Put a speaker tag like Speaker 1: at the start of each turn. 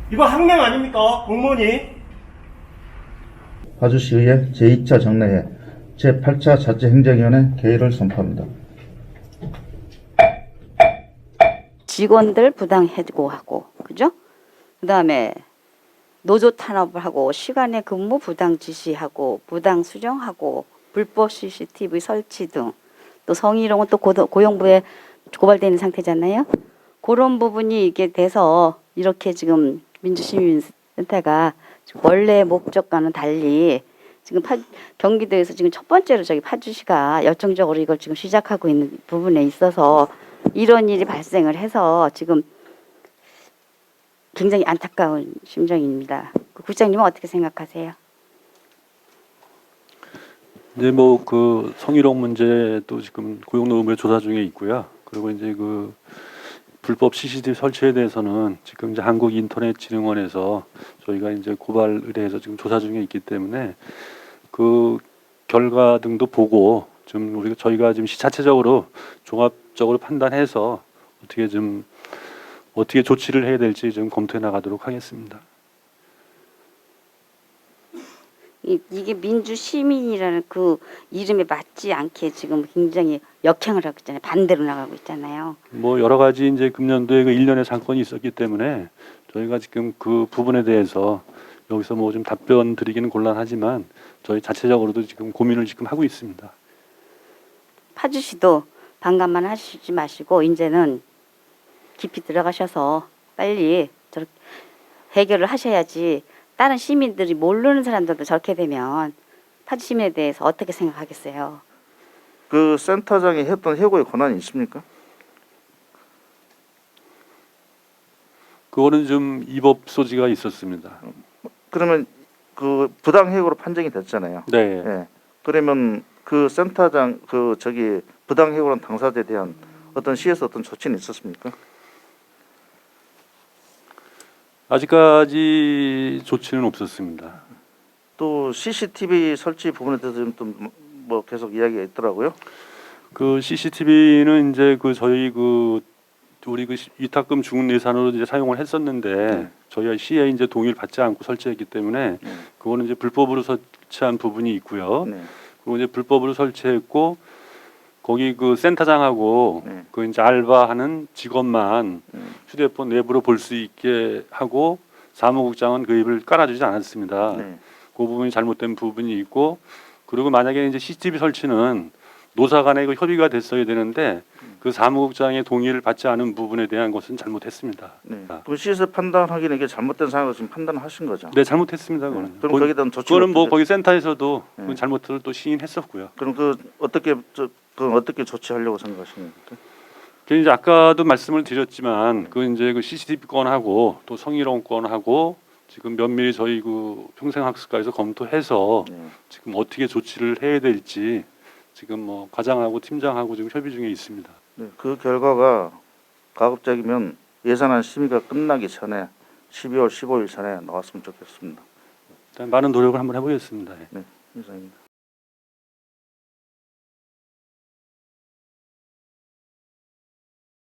Speaker 1: 이거 항명 아닙니까? 공무원이.
Speaker 2: 파주시의회 제2차 정례회 제8차 자치행정위원회 개의를 선포합니다.
Speaker 3: 직원들 부당 해고하고, 그죠? 그 다음에 노조 탄압을 하고, 시간에 근무 부당 지시하고, 부당 수정하고, 불법 CCTV 설치 등, 또 성희롱은 또 고용부에 고발되는 상태잖아요. 그런 부분이 이게 돼서 이렇게 지금 민주시민센터가 원래 목적과는 달리 지금 경기도에서 지금 첫 번째로 저기 파주시가 열정적으로 이걸 지금 시작하고 있는 부분에 있어서 이런 일이 발생을 해서 지금 굉장히 안타까운 심정입니다. 국장님은 어떻게 생각하세요?
Speaker 4: 이제 뭐 그 성희롱 문제도 지금 고용노동부에 조사 중에 있고요. 그리고 이제 그 불법 CCTV 설치에 대해서는 지금 이제 한국인터넷진흥원에서 저희가 이제 고발 의뢰해서 지금 조사 중에 있기 때문에 그 결과 등도 보고 좀 저희가 지금 자체적으로 종합적으로 판단해서 어떻게 조치를 해야 될지 좀 검토해 나가도록 하겠습니다.
Speaker 3: 이게 민주시민이라는 그 이름에 맞지 않게 지금 굉장히 역행을 하고 있잖아요. 반대로 나가고 있잖아요.
Speaker 4: 뭐 여러 가지 이제 금년도에 그 일련의 사건이 있었기 때문에 저희가 지금 그 부분에 대해서 여기서 뭐 좀 답변 드리기는 곤란하지만 저희 자체적으로도 지금 고민을 지금 하고 있습니다.
Speaker 3: 파주시도 반감만 하시지 마시고 이제는 깊이 들어가셔서 빨리 저렇게 해결을 하셔야지. 다른 시민들이 모르는 사람들도 저렇게 되면 파주 시민에 대해서 어떻게 생각하겠어요?
Speaker 2: 그 센터장이 했던 해고의 권한이 있습니까?
Speaker 4: 그거는 좀 위법 소지가 있었습니다.
Speaker 2: 그러면 그 부당 해고로 판정이 됐잖아요.
Speaker 4: 네.
Speaker 2: 예. 그러면 그 센터장 그 저기 부당 해고란 당사자에 대한 어떤 시에서 어떤 조치는 있었습니까?
Speaker 4: 아직까지 조치는 없었습니다.
Speaker 2: 또 CCTV 설치 부분에 대해서 좀 뭐 계속 이야기가 있더라고요.
Speaker 4: 그 CCTV는 이제 그 저희 그 우리 그 위탁금 중은 예산으로 이제 사용을 했었는데 저희가 시에 이제 동의를 받지 않고 설치했기 때문에 그거는 이제 불법으로 설치한 부분이 있고요.
Speaker 2: 네.
Speaker 4: 그리고 이제 불법으로 설치했고 거기 그 센터장하고
Speaker 2: 네.
Speaker 4: 그 이제 알바하는 직원만 휴대폰 내부로 볼 수 있게 하고 사무국장은 그 입을 깔아주지 않았습니다.
Speaker 2: 네.
Speaker 4: 그 부분이 잘못된 부분이 있고 그리고 만약에 이제 CCTV 설치는 노사 간에 그 협의가 됐어야 되는데 그 사무국장의 동의를 받지 않은 부분에 대한 것은 잘못했습니다.
Speaker 2: 네. 그럼 시에서 판단하기는 이게 잘못된 상황으로 지금 판단하신 거죠?
Speaker 4: 네, 잘못했습니다. 그거는.
Speaker 2: 그럼 거기에 대한 조치가
Speaker 4: 그거는 뭐
Speaker 2: 어떻게
Speaker 4: 거기 센터에서도
Speaker 2: 네.
Speaker 4: 그 잘못을 또 시인했었고요.
Speaker 2: 그럼 그 어떻게 조치하려고 생각하시는 겁니까?
Speaker 4: 그 이제 아까도 말씀을 드렸지만 그 이제 그 CCTV 건하고 또 성희롱 건하고 지금 면밀히 저희 그 평생학습과에서 검토해서
Speaker 2: 네.
Speaker 4: 지금 어떻게 조치를 해야 될지 지금 뭐 과장하고 팀장하고 지금 협의 중에 있습니다.
Speaker 2: 네. 그 결과가 가급적이면 예산안 심의가 끝나기 전에 12월 15일 전에 나왔으면 좋겠습니다.
Speaker 4: 일단 많은 노력을 한번 해보겠습니다. 예.
Speaker 2: 네, 이상입니다.